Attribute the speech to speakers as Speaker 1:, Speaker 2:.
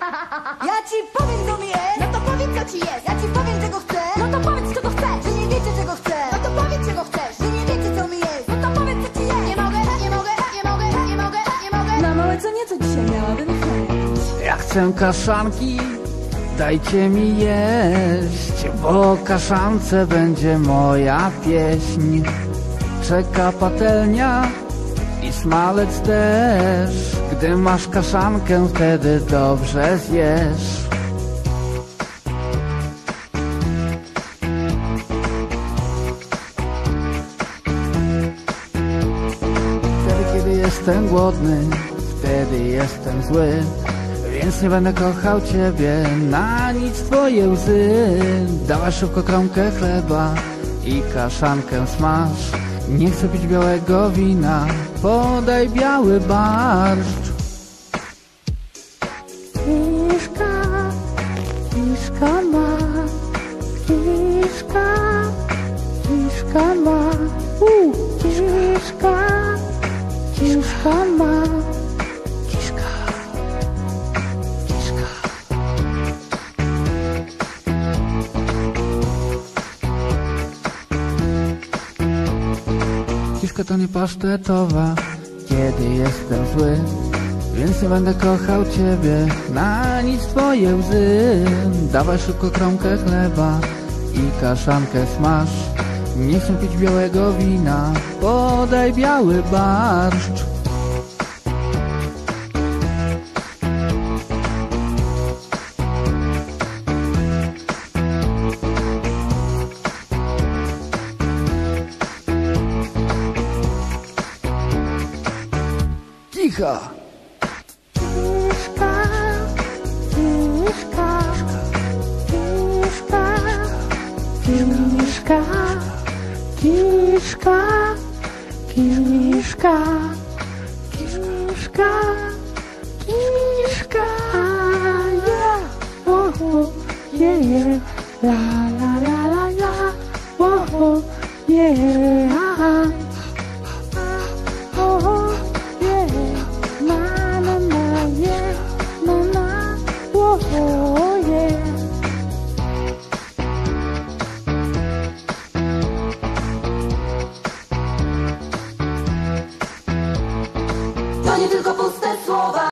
Speaker 1: Ja ci powiem, co mi jest.
Speaker 2: No to powiedz, co ci jest.
Speaker 1: Ja ci powiem, czego chcę.
Speaker 2: No to powiedz, czego chcesz.
Speaker 1: Że nie wiecie, czego chcę.
Speaker 2: No to powiedz, czego chcesz.
Speaker 1: Że nie wiecie, co mi jest.
Speaker 2: No to powiedz, co ci jest. Nie mogę, nie mogę, nie mogę, nie mogę, nie mogę.
Speaker 1: Na małe co nieco dzisiaj miałabym chęć.
Speaker 3: Ja chcę kaszanki, dajcie mi jeść, bo kaszance będzie moja pieśń. Czeka patelnia i smalec też. Gdy masz kaszankę, wtedy dobrze zjesz. Wtedy, kiedy jestem głodny, wtedy jestem zły. Więc nie będę kochał ciebie, na nic twoje łzy. Dawaj szybko kromkę chleba i kaszankę smaż. Nie chcę pić białego wina, podaj biały barszcz.
Speaker 4: Kiszka, kiszka ma, kiszka, kiszka ma, kiszka, kiszka ma, kiszka, kiszka.
Speaker 3: Kiszka to nie pasztetowa, kiedy jestem zły. Więc nie będę kochał ciebie, na nic twoje łzy. Dawaj szybko kromkę chleba i kaszankę smaż. Nie chcę pić białego wina, podaj biały barszcz. Cicho!
Speaker 4: Kiszka, kiszka, kiszka, kiszka, kiszka, kiszka, kiszka, kiszka, yeah, oh, yeah, yeah, la la la la la, oh, yeah.